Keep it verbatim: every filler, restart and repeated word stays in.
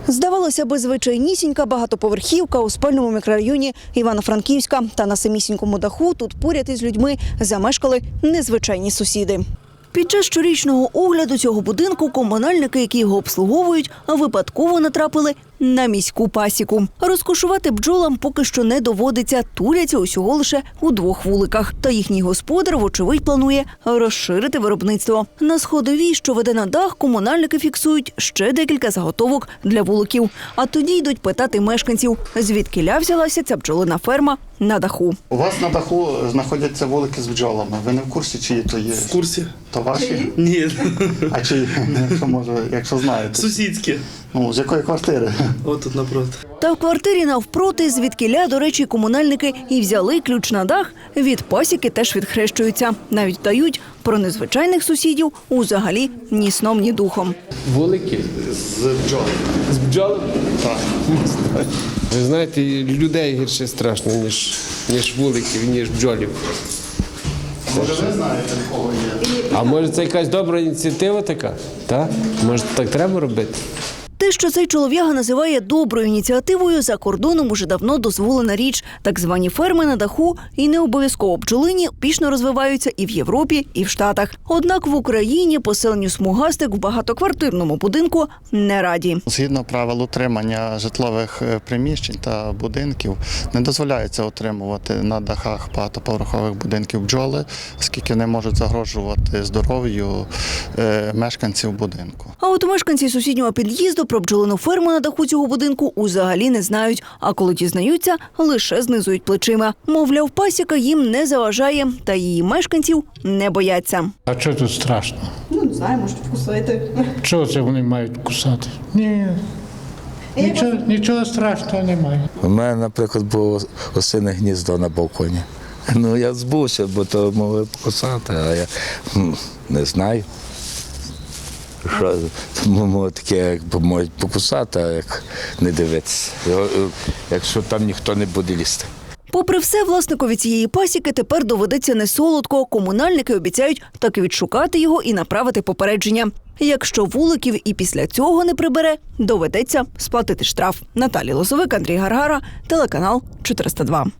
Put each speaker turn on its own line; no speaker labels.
Здавалося би, звичайнісінька багатоповерхівка у спальному мікрорайоні Івано-Франківська. Та на самісінькому даху тут поряд із людьми замешкали незвичайні сусіди. Під час щорічного огляду цього будинку комунальники, які його обслуговують, випадково натрапили на міську пасіку. Розкошувати бджолам поки що не доводиться, туляться усього лише у двох вуликах. Та їхній господар, вочевидь, планує розширити виробництво. На сходовій, що веде на дах, комунальники фіксують ще декілька заготовок для вуликів. А тоді йдуть питати мешканців, звідкіля взялася ця бджолина ферма на даху.
У вас на даху знаходяться вулики з бджолами. Ви не в курсі, чиї то є?
В курсі.
То ваші?
Ні.
А чиї? Якщо, може, якщо знаєте.
Сусідські.
Ну, з якої квартири?
От тут напроти.
Та в квартирі навпроти, звідкіля, до речі, комунальники і взяли ключ на дах, від пасіки теж відхрещуються. Навіть дають про незвичайних сусідів узагалі ні сном, ні духом.
Вулики?
З бджолами.
З бджолами?
Так.
Ви знаєте, людей гірше страшно, ніж, ніж вуликів, ніж бджолів.
Може, ви знаєте, в кого є?
А може це якась добра ініціатива така? Так? Може так треба робити?
Те, що цей чолов'яга називає доброю ініціативою, за кордоном уже давно дозволена річ. Так звані ферми на даху і не обов'язково бджолині успішно розвиваються і в Європі, і в Штатах. Однак в Україні поселенню смугастик в багатоквартирному будинку не раді.
Згідно правил утримання житлових приміщень та будинків, не дозволяється утримувати на дахах багатоповерхових будинків бджоли, оскільки вони можуть загрожувати здоров'ю мешканців будинку.
А от мешканці сусіднього під'їзду про бджолину ферму на даху цього будинку узагалі не знають. А коли дізнаються, лише знизують плечима. Мовляв, пасіка їм не заважає, та її мешканців не бояться.
А що тут страшно?
Ну, не знаю, можуть вкусити.
Чого це вони мають кусати? Ні, нічого, нічого страшного немає.
У мене, наприклад, було осине гніздо на балконі. Ну, я збувся, бо то могли покусати, а я м, не знаю. Що, тому таке, якби можуть покусати, а як не дивитися, якщо там ніхто не буде лізти.
Попри все, власникові цієї пасіки тепер доведеться не солодко. Комунальники обіцяють таки відшукати його і направити попередження. Якщо вуликів і після цього не прибере, доведеться сплатити штраф. Наталія Лозовик, Андрій Гаргара, телеканал чотириста два.